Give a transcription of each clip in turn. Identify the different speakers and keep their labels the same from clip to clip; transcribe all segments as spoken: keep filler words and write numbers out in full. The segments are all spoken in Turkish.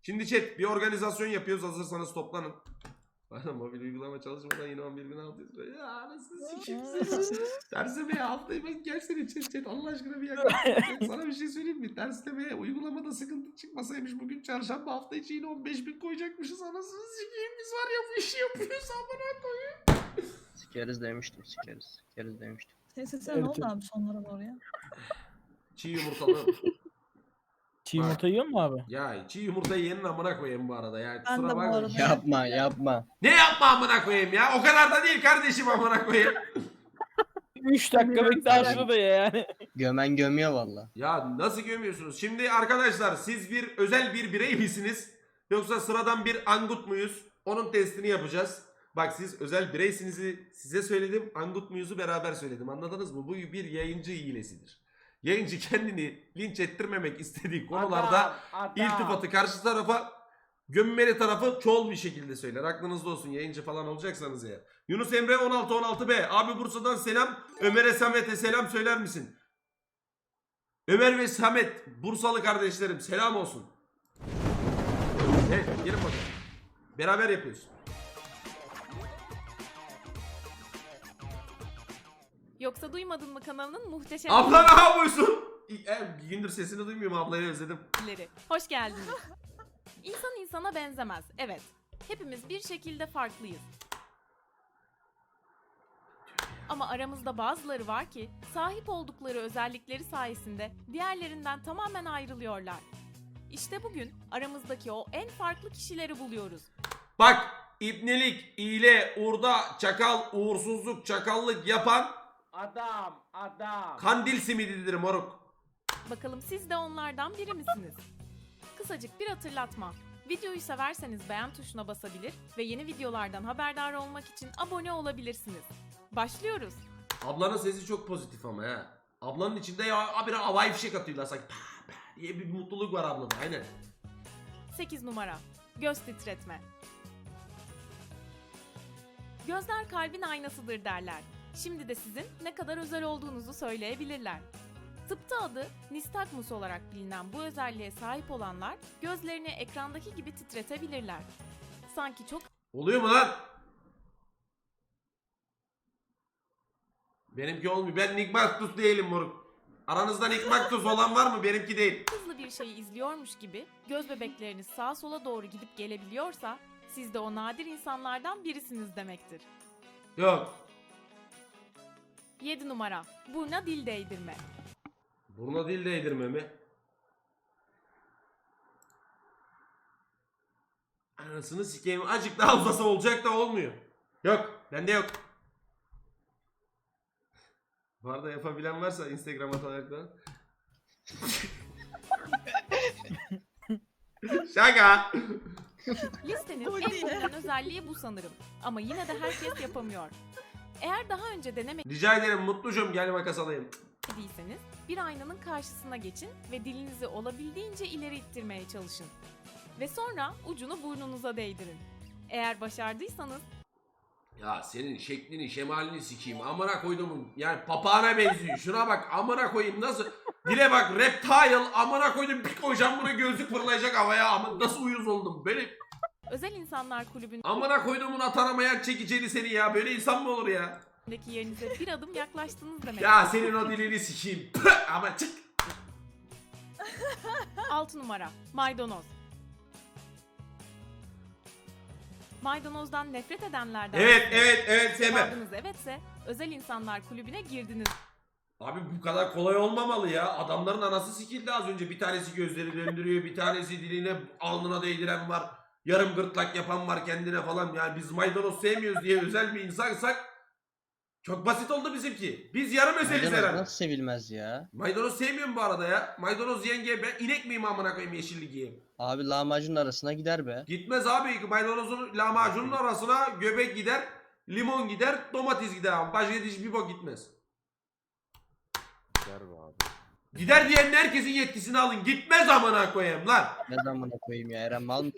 Speaker 1: Şimdi chat bir organizasyon yapıyoruz, hazırsanız toplanın. Bana mobil uygulama çalışmadan yine on bir bin altı yüz lira. Ya anasını sikeyim seni. Terslemeye haftayı ben gelsene chat chat Allah aşkına bir yaklaşık. Sana bir şey söyleyeyim mi? Terslemeye uygulamada sıkıntı çıkmasaymış bugün çarşamba, hafta içi yine on beş bin koyacakmışız, anasını sikeyim. Biz var ya bu işi yapıyoruz amına koyayım.
Speaker 2: Sikeriz demiştim, sikeriz. Sikeriz demiştim.
Speaker 3: Senin sesine ne oldu abi sonlara doğru ya?
Speaker 1: Çiğ yumurtalı.
Speaker 4: Çiğ yumurta yiyor mu abi?
Speaker 1: Ya çiğ yumurtayı yenin amına koyayım bu arada ya.
Speaker 3: Ben
Speaker 1: Kusura
Speaker 3: de bu
Speaker 1: bakma.
Speaker 3: arada.
Speaker 2: Yapma, yapma.
Speaker 1: Ne yapma amına koyayım ya? O kadar da değil kardeşim amına koyayım.
Speaker 4: üç dakika bekle aşırı da ya yani.
Speaker 2: Gömen gömüyor valla.
Speaker 1: Ya nasıl gömüyorsunuz? Şimdi arkadaşlar siz bir özel bir birey misiniz? Yoksa sıradan bir angut muyuz? Onun testini yapacağız. Bak siz özel bireysinizi size söyledim. Angut muyuzu beraber söyledim. Anladınız mı? Bu bir yayıncı hilesidir. Yayıncı kendini linç ettirmemek istediği konularda
Speaker 5: Adam, adam.
Speaker 1: iltifatı karşı tarafa, gömmeli tarafı çoğul bir şekilde söyler. Aklınızda olsun yayıncı falan olacaksanız ya. Yunus Emre on altı on altı B. Abi Bursa'dan selam. Ömer'e Samet'e selam söyler misin? Ömer ve Samet Bursalı kardeşlerim selam olsun. Evet gelin bakalım. Beraber yapıyoruz.
Speaker 6: Yoksa duymadın mı kanalının muhteşem
Speaker 1: Abla ne yapıyorsun? E, bir gündür sesini duymuyorum, ablayı özledim.
Speaker 6: bilgileri. Hoş geldiniz. İnsan insana benzemez. Evet. Hepimiz bir şekilde farklıyız. Ama aramızda bazıları var ki sahip oldukları özellikleri sayesinde diğerlerinden tamamen ayrılıyorlar. İşte bugün aramızdaki o en farklı kişileri buluyoruz.
Speaker 1: Bak ibnelik, iyile, urda, çakal, uğursuzluk, çakallık yapan
Speaker 5: Adam, adam.
Speaker 1: kandil simididir moruk.
Speaker 6: Bakalım siz de onlardan biri misiniz? Kısacık bir hatırlatma. Videoyu severseniz beğen tuşuna basabilir ve yeni videolardan haberdar olmak için abone olabilirsiniz. Başlıyoruz.
Speaker 1: Ablanın sesi çok pozitif ama ha. Ablanın içinde ya abi havai fişek atıyorlar sanki. Pah, pah diye bir mutluluk var ablada, aynen.
Speaker 6: sekiz numara. Göz titretme. Gözler kalbin aynasıdır derler. Şimdi de sizin ne kadar özel olduğunuzu söyleyebilirler. Tıpta adı nistagmus olarak bilinen bu özelliğe sahip olanlar gözlerini ekrandaki gibi titretebilirler. Sanki çok
Speaker 1: Oluyor mu lan? Benimki olmuyor. Ben Nigmaktus değilim moruk. Aranızda Nigmaktus olan var mı? Benimki değil.
Speaker 6: hızlı bir şeyi izliyormuş gibi göz bebekleriniz sağa sola doğru gidip gelebiliyorsa siz de o nadir insanlardan birisiniz demektir.
Speaker 1: Yok.
Speaker 6: yedi numara. Burna dil değdirme.
Speaker 1: Buruna dil değdirme mi? Anasını sikeyim. Azıcık daha uzasa olacak da olmuyor. Yok. Bende yok. Bu arada yapabilen varsa Instagram atarak da. Şaka.
Speaker 6: Listenin en popüler özelliği bu sanırım. Ama yine de herkes yapamıyor. Eğer daha önce
Speaker 1: Rica ederim mutlucum, gel makas alayım.
Speaker 6: denemediyseniz bir aynanın karşısına geçin ve dilinizi olabildiğince ileri ittirmeye çalışın. Ve sonra ucunu burnunuza değdirin. Eğer başardıysanız
Speaker 1: Ya senin şeklini şemalini sikeyim. Amına koydum. Yani papağana benziyor. Şuna bak amına koyayım nasıl. Dile bak reptile amına koydum. Bir koyacağım buna gözlük fırlayacak havaya. Ama nasıl uyuz oldum. Böyle
Speaker 6: Özel İnsanlar Kulübü'ndeki
Speaker 1: amına koyduğumun atanamayan çekiceli seni ya. Böyle insan mı olur ya?
Speaker 6: yerinize bir adım yaklaştınız demek.
Speaker 1: Ya senin o dilini sikeyim. Püh, ama çık.
Speaker 6: altı numara. Maydanoz. Maydanozdan nefret edenlerden
Speaker 1: Evet evet evet sevmem.
Speaker 6: cevabınız evetse Özel İnsanlar Kulübü'ne girdiniz.
Speaker 1: Abi bu kadar kolay olmamalı ya. Adamların anası sikildi az önce. Bir tanesi gözleri döndürüyor. Bir tanesi diline alnına değdiren var. Yarım gırtlak yapan var kendine falan. Yani biz maydanoz sevmiyoruz diye özel bir insansak çok basit oldu bizimki. Biz yarım özeliz
Speaker 2: Maydanoz
Speaker 1: herhalde.
Speaker 2: nasıl sevilmez ya?
Speaker 1: Maydanoz sevmiyorum bu arada ya. Maydanoz yenge ben inek miyim amına koyayım yeşillik yiyeyim.
Speaker 2: Abi lahmacunun arasına gider be.
Speaker 1: Gitmez abi. Maydanozun lahmacunun arasına göbek gider. Limon gider. Domates gider ama. Başka hiçbir bok gitmez.
Speaker 7: Gider be abi.
Speaker 1: Gider diyenin herkesin yetkisini alın. Gitmez amına koyayım lan.
Speaker 2: Ne zamana koyayım ya Eren mal mı?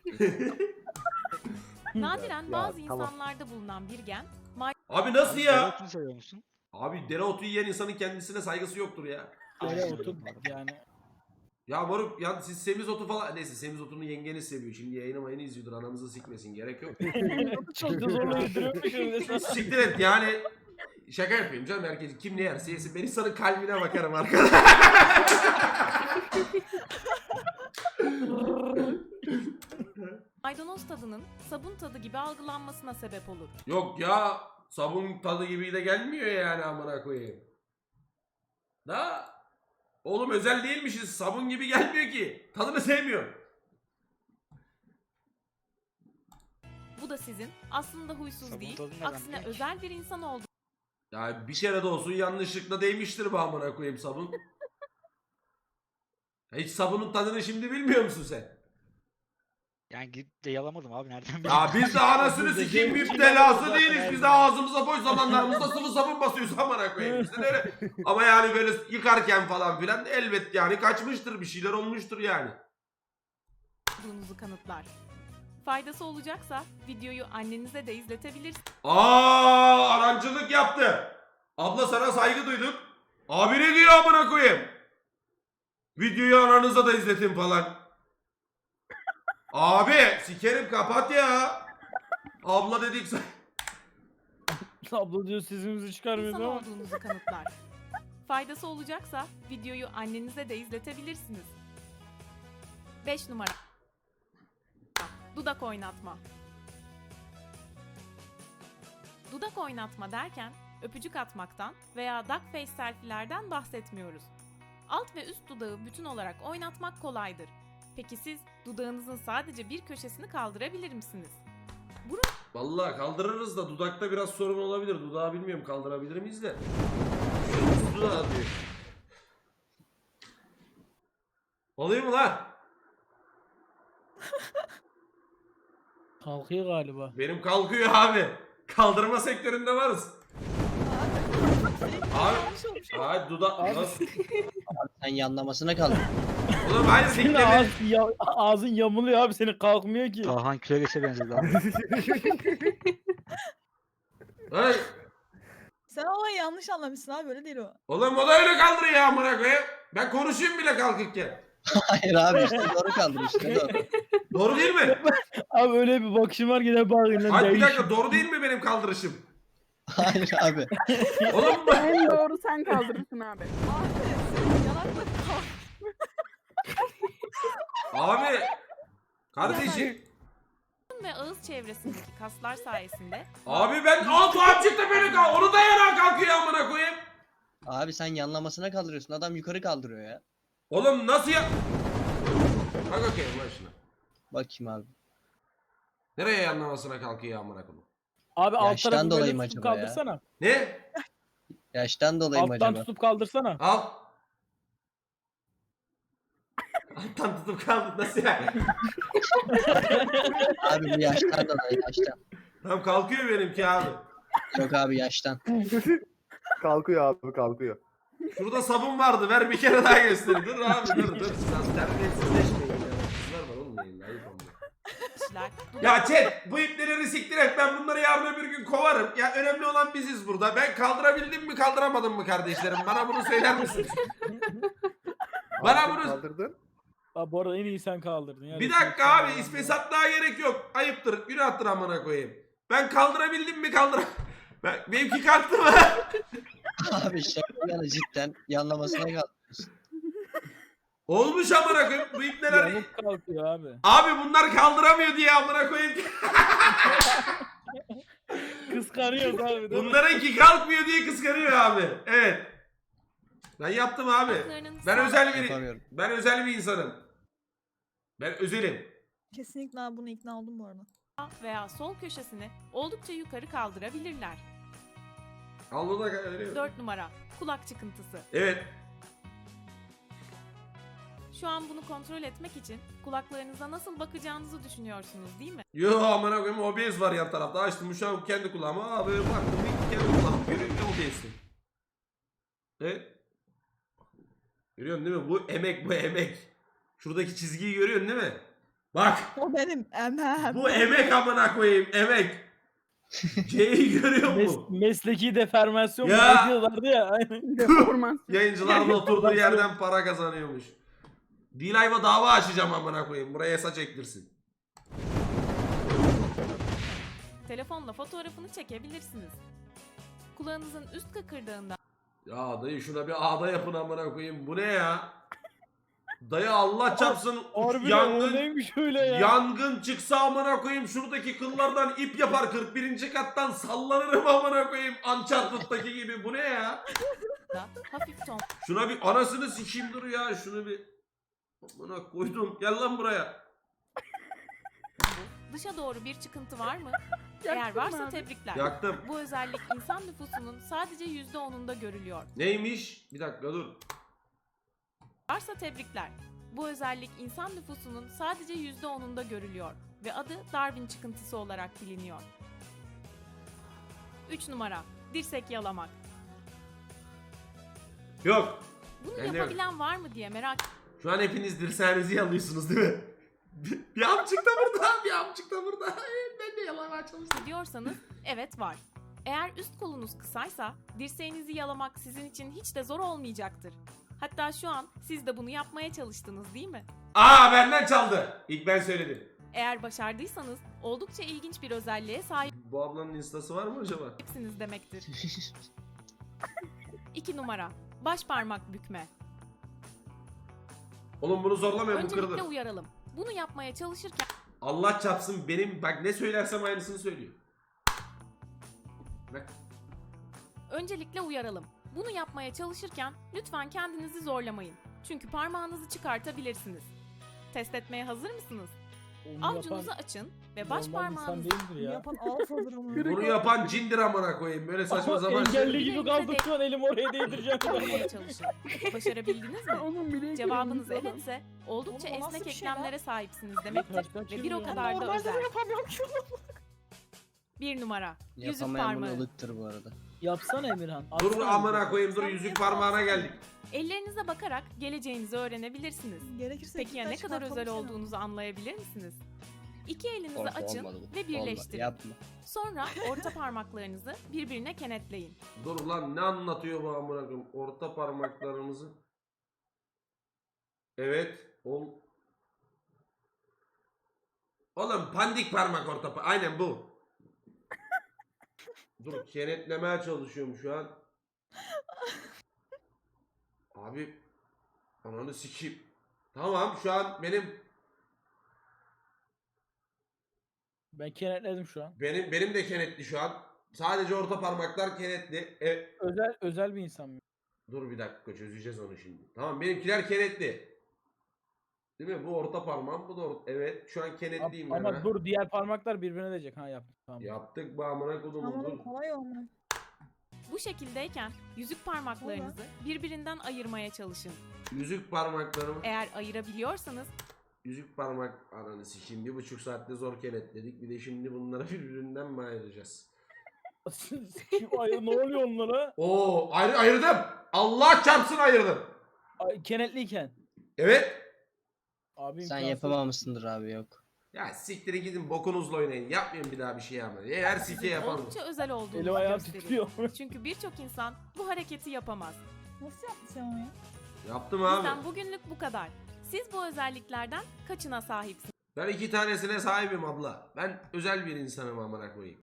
Speaker 6: Nadiren
Speaker 7: Ya,
Speaker 6: bazı
Speaker 7: tamam.
Speaker 6: insanlarda bulunan bir gen
Speaker 1: Abi nasıl ya?
Speaker 7: Dereotunu seviyor musun?
Speaker 1: Abi dereotu yiyen insanın kendisine saygısı yoktur ya.
Speaker 4: Böyle otur yani.
Speaker 1: Ya moruk ya siz semizotu falan neyse semizotunun yengeni seviyor. Şimdi yayını mayını izliyordur anamızı sikmesin gerek yok.
Speaker 4: Çok da zorla yediriyormuş öyle sana.
Speaker 1: Siktir et yani şaka yapıyorum canım herkes kim ne yerse yesin ben insanın kalbine bakarım arkadaş.
Speaker 6: Maydanoz tadının sabun tadı gibi algılanmasına sebep olur.
Speaker 1: Yok ya sabun tadı gibi de gelmiyor yani amına koyayım. Da oğlum özel değilmişiz sabun gibi gelmiyor ki. Tadını sevmiyorum.
Speaker 6: Bu da sizin aslında huysuz
Speaker 7: Sabun
Speaker 6: değil,
Speaker 7: tadı ne
Speaker 6: aksine
Speaker 7: lan?
Speaker 6: özel bir insan olduğunuzu
Speaker 1: Ya bir kere de olsun yanlışlıkla değmiştir bu amına koyayım sabun. Hiç sabunun tadını şimdi bilmiyor musun sen?
Speaker 7: Yani gidip de yalamadım abi nereden bileyim.
Speaker 1: Ya biz de anasını sikeyim müptelası değiliz. Biz de ağzımıza boş zamanlarımızda sıvı sabun basıyoruz amına koyayım. Biz de öyle. Ama yani böyle yıkarken falan filan elbet yani kaçmıştır bir şeyler olmuştur yani.
Speaker 6: kanıtlar. Faydası olacaksa videoyu annenize de izletebilirsiniz.
Speaker 1: Aa arancılık yaptı. Abla sana saygı duyduk. Abi ne diyor amına koyayım? Videoyu ananıza da izletin falan. Abi sikerim kapat ya. Abla dedik say-
Speaker 4: Abla diyor sesimizi çıkarmıyor
Speaker 6: İnsan
Speaker 4: ama.
Speaker 6: olduğunuzu kanıtlar. Faydası olacaksa videoyu annenize de izletebilirsiniz. beş numara. Dudak oynatma. Dudak oynatma derken öpücük atmaktan veya duck face selfie'lerden bahsetmiyoruz. Alt ve üst dudağı bütün olarak oynatmak kolaydır. Peki siz dudağınızın sadece bir köşesini kaldırabilir misiniz?
Speaker 1: Vallahi kaldırırız da dudakta biraz sorun olabilir. Dudağı bilmiyorum kaldırabilir miyiz de. Dudağı diyor. Oluyor mu lan?
Speaker 4: Kalkıyor galiba.
Speaker 1: Benim kalkıyor abi. Kaldırma sektöründe varız. Abi,
Speaker 3: Yanlış olmuş.
Speaker 1: abi dudak... Nasıl?
Speaker 2: Sen yanlamasına kaldın.
Speaker 1: Oğlum hayır
Speaker 4: Senin
Speaker 1: dikleme.
Speaker 4: ağız, ya, ağzın yamuluyor abi senin kalkmıyor ki.
Speaker 7: Tahan Küreges'e benzedi abi.
Speaker 1: Ay,
Speaker 3: Sen olayı yanlış anlamışsın abi, öyle değil o.
Speaker 1: oğlum o da öyle kaldırıyor ya amına koyayım. Ben konuşayım bile kalkırken.
Speaker 2: Hayır abi işte doğru kaldır işte doğru.
Speaker 1: Doğru değil mi?
Speaker 4: Abi öyle bir bakışım var gider bağırın.
Speaker 1: Hayır bir dakika doğru değil mi benim kaldırışım?
Speaker 2: Hayır abi.
Speaker 1: Oğlum bu...
Speaker 8: En doğru sen kaldırırsın abi.
Speaker 3: Abi senin yanakla kalk.
Speaker 1: Abi. Kardeşim.
Speaker 6: Burun ve ağız çevresindeki kaslar sayesinde
Speaker 1: Abi ben alt çıktı beni kal. Onu da yana kalkıyor amına koyayım.
Speaker 2: Abi sen yanlamasına kaldırıyorsun. Adam yukarı kaldırıyor ya.
Speaker 1: Oğlum nasıl ya? Bak bakayım lan şuna.
Speaker 2: Bakayım abi.
Speaker 1: Nereye yanlamasına kalkıyor amına koyayım?
Speaker 4: Abi alt
Speaker 2: Yaştan
Speaker 4: tarafı
Speaker 2: dolayı
Speaker 4: böyle
Speaker 2: mı
Speaker 4: tutup
Speaker 2: acaba ya?
Speaker 4: kaldırsana.
Speaker 1: Ne?
Speaker 2: Yaştan dolayı mı
Speaker 4: Alttan
Speaker 2: acaba?
Speaker 4: tutup kaldırsana.
Speaker 1: Al. Alttan tutup kaldık nasıl yani?
Speaker 2: Abi bu yaştan dolayı yaştan.
Speaker 1: Tamam kalkıyor benimki abi.
Speaker 2: Yok abi yaştan.
Speaker 9: Kalkıyor abi kalkıyor.
Speaker 1: Şurada sabun vardı ver bir kere daha göstereyim. Dur abi dur dur. Sen terbiyesizleşmeyin ya. Kızlar var oğlum yayında ayıp olmuyor.
Speaker 6: kişiler
Speaker 1: Ya chat bu ipleri siktir et ben bunları yarın öbür gün kovarım. Ya önemli olan biziz burada. Ben kaldırabildim mi kaldıramadım mı kardeşlerim? Bana bunu söyler misiniz? Bana
Speaker 9: Abi,
Speaker 1: bunu...
Speaker 9: Kaldırdın.
Speaker 4: Abi bu arada en iyi sen kaldırdın. Ya.
Speaker 1: Bir dakika abi ispesatlığa gerek yok. Ayıptır günahtır amına koyayım. Ben kaldırabildim mi kaldıra... Ben, benimki kalktı mı?
Speaker 2: Abi şaka yani cidden yanlamasına kaldırıyorsun.
Speaker 1: Olmuş amına koyayım. Bu ip neler...
Speaker 4: Yamuk kalkıyor abi.
Speaker 1: Abi bunlar kaldıramıyor diye amına koyayım.
Speaker 4: Kıskanıyoruz abi değil mi?
Speaker 1: Bunlarınki kalkmıyor diye kıskanıyor abi. Evet. Ben yaptım abi.
Speaker 6: kulaklarının
Speaker 1: Ben
Speaker 6: sağ
Speaker 1: özel bir
Speaker 2: Yapamıyorum.
Speaker 1: ben özel bir insanım. Ben özelim.
Speaker 3: Kesinlikle abi, buna ikna oldum bu arada.
Speaker 6: veya sol köşesini oldukça yukarı kaldırabilirler.
Speaker 1: Al bunu da veriyorum.
Speaker 6: dört numara. Kulak çıkıntısı.
Speaker 1: Evet.
Speaker 6: Şu an bunu kontrol etmek için kulaklarınıza nasıl bakacağınızı düşünüyorsunuz değil mi?
Speaker 1: Yo amına koyayım O B S var yan tarafta. Açtım şu an kendi kulağıma. Abi baktım bir kendi kulağım görüyor O B S'i. Evet. Görüyorsun değil mi? Bu emek bu emek. Şuradaki çizgiyi görüyorsun değil mi? Bak.
Speaker 3: O benim emem.
Speaker 1: Bu emek amına koyayım emek. C'yi görüyor
Speaker 4: Mes
Speaker 1: musun?
Speaker 4: mesleki deformasyon
Speaker 1: Ya.
Speaker 4: mu diyorlardı ya. Aynen.
Speaker 8: Deformasyon.
Speaker 1: Yayıncılar da oturduğu yerden para kazanıyormuş. D-Live'a dava açacağım amına koyayım. Buraya saç ektirsin.
Speaker 6: Telefonla fotoğrafını çekebilirsiniz. Kulağınızın üst kıkırdağından
Speaker 1: Ya dayı şuna bir ağda yapın amına koyayım. Bu ne ya? Dayı Allah çarpsın
Speaker 4: Harbiden o
Speaker 1: yangın
Speaker 4: neymiş öyle ya?
Speaker 1: yangın çıksa amına koyayım şuradaki kıllardan ip yapar kırk birinci kattan sallanırım amına koyayım Uncharted'daki gibi. Bu ne ya?
Speaker 6: hafif ton
Speaker 1: Şuna bir anasını sikeyim dur ya. Şunu bir amına koydum. Gel lan buraya.
Speaker 6: dışa doğru bir çıkıntı var mı? Eğer
Speaker 8: Yaktın mı
Speaker 6: varsa
Speaker 8: abi?
Speaker 6: tebrikler.
Speaker 1: Yaktım.
Speaker 6: Bu özellik insan nüfusunun sadece yüzde onunda görülüyor.
Speaker 1: Neymiş? Bir dakika dur.
Speaker 6: Varsa tebrikler. Bu özellik insan nüfusunun sadece yüzde onunda görülüyor ve adı Darwin çıkıntısı olarak biliniyor. üç numara. Dirsek yalamak.
Speaker 1: Yok.
Speaker 6: Bunu
Speaker 1: Ben de yok.
Speaker 6: yapabilen var mı diye merak
Speaker 1: Şu an hepiniz dirseğinizi yalıyorsunuz değil mi? Bir, bir amcık da burada, bir amcık da burada. Ben de yalamaya çalıştım.
Speaker 6: ediyorsanız evet var. Eğer üst kolunuz kısaysa dirseğinizi yalamak sizin için hiç de zor olmayacaktır. Hatta şu an siz de bunu yapmaya çalıştınız değil mi?
Speaker 1: Aa benden çaldı. İlk ben söyledim.
Speaker 6: Eğer başardıysanız oldukça ilginç bir özelliğe
Speaker 1: Bu ablanın instası var mı acaba?
Speaker 6: sahipsiniz demektir. iki numara. Baş parmak bükme.
Speaker 1: Oğlum bunu zorlamayın bu
Speaker 6: Öncelikle
Speaker 1: kırılır.
Speaker 6: uyaralım. Bunu yapmaya çalışırken
Speaker 1: Allah çarpsın benim bak ne söylersem aynısını söylüyor. Bak.
Speaker 6: Öncelikle uyaralım. Bunu yapmaya çalışırken lütfen kendinizi zorlamayın. Çünkü parmağınızı çıkartabilirsiniz. Test etmeye hazır mısınız?
Speaker 4: Onu
Speaker 6: Avucunuzu
Speaker 4: yapan
Speaker 6: açın ve baş
Speaker 4: normal insan
Speaker 6: parmağınızı
Speaker 4: değildir ya.
Speaker 3: Yapan alfadır ama.
Speaker 1: Bunu yapan cindir amına koyayım. Böyle saçma
Speaker 4: Ama
Speaker 1: sapan
Speaker 4: engelli
Speaker 1: şey.
Speaker 4: gibi kaldım şu an elim oraya değdireceğim.
Speaker 6: yapmaya çalışın. Başarabildiniz mi?
Speaker 8: Onun bile
Speaker 6: Cevabınız
Speaker 8: ekmeğini
Speaker 6: evetse oldukça
Speaker 3: Oğlum o nasıl
Speaker 6: esnek
Speaker 3: bir şey lan?
Speaker 6: eklemlere sahipsiniz demektir
Speaker 4: Kaç kaç
Speaker 6: ve bir o
Speaker 4: yıl ya?
Speaker 6: kadar da
Speaker 3: Normalde de
Speaker 6: özel.
Speaker 3: yapamıyorum ki onu.
Speaker 6: Bir numara. Yüzük
Speaker 2: Yapamayan bunu
Speaker 6: parmağı.
Speaker 2: ılıktır bu arada.
Speaker 4: Yapsana Emirhan.
Speaker 1: Dur
Speaker 4: atsana
Speaker 1: amına
Speaker 4: bize.
Speaker 1: koyayım dur
Speaker 3: Sen
Speaker 1: yüzük
Speaker 3: niye
Speaker 1: parmağına
Speaker 3: bağırsın?
Speaker 1: geldik.
Speaker 6: Ellerinize bakarak geleceğinizi öğrenebilirsiniz.
Speaker 3: Gerekirse
Speaker 6: Peki ya ne
Speaker 3: iki taş
Speaker 6: kadar özel
Speaker 3: çıkartalım seni.
Speaker 6: olduğunuzu anlayabilir misiniz? İki elinizi
Speaker 2: Korku
Speaker 6: açın
Speaker 2: olmadı bu.
Speaker 6: ve
Speaker 2: Olma,
Speaker 6: birleştirin.
Speaker 2: yapma.
Speaker 6: Sonra orta parmaklarınızı birbirine kenetleyin.
Speaker 1: Dur lan ne anlatıyor bu amına koyayım? Orta parmaklarımızı. Evet. Ol. Oğlum pandik parmak orta pa- aynen bu. Dur kenetlemeye çalışıyorum şu an. Abi ananı sikeyim. Tamam şu an benim
Speaker 4: Ben kenetledim şu an.
Speaker 1: benim benim de kenetli şu an. Sadece orta parmaklar kenetli. E,
Speaker 4: Özel özel bir insan mı?
Speaker 1: dur bir dakika çözeceğiz onu şimdi. Tamam benimkiler kenetli. Değil mi? Bu orta parmağım, bu da orta. Evet, şu an kenetliyim ben.
Speaker 4: Ama
Speaker 1: ha.
Speaker 4: dur diğer parmaklar birbirine değecek. Ha yaptım. Tamam.
Speaker 1: Yaptık bu amına kodumu dur.
Speaker 3: Tamam kolay olma.
Speaker 6: Bu şekildeyken yüzük parmaklarınızı birbirinden ayırmaya çalışın.
Speaker 1: Yüzük parmaklarımı.
Speaker 6: Eğer ayırabiliyorsanız
Speaker 1: Yüzük parmak ananı sikeyim. Bir buçuk saatte zor kenetledik. Bir de şimdi bunları birbirinden mi ayıracağız?
Speaker 4: Ay, ne oluyor onlara?
Speaker 1: Oo, ayrı ayırdım. Allah çarpsın ayırdım.
Speaker 4: Ay, kenetliyken.
Speaker 1: Evet.
Speaker 4: Abi
Speaker 2: Sen
Speaker 4: imkansız.
Speaker 2: yapamamışsındır abi yok.
Speaker 1: Ya siktirin gidin bokunuzla oynayın. Yapmayın bir daha bir şey ama. Her sike yapalım.
Speaker 6: oldukça özel olduğunuzu
Speaker 4: Elim ayağım
Speaker 6: gösterir.
Speaker 4: titriyor.
Speaker 6: Çünkü birçok insan bu hareketi yapamaz.
Speaker 3: Nasıl yaptın sen onu ya?
Speaker 1: Yaptım abi.
Speaker 6: Bizden bugünlük bu kadar. Siz bu özelliklerden kaçına sahipsiniz?
Speaker 1: Ben iki tanesine sahibim abla. Ben özel bir insanım amına koyayım.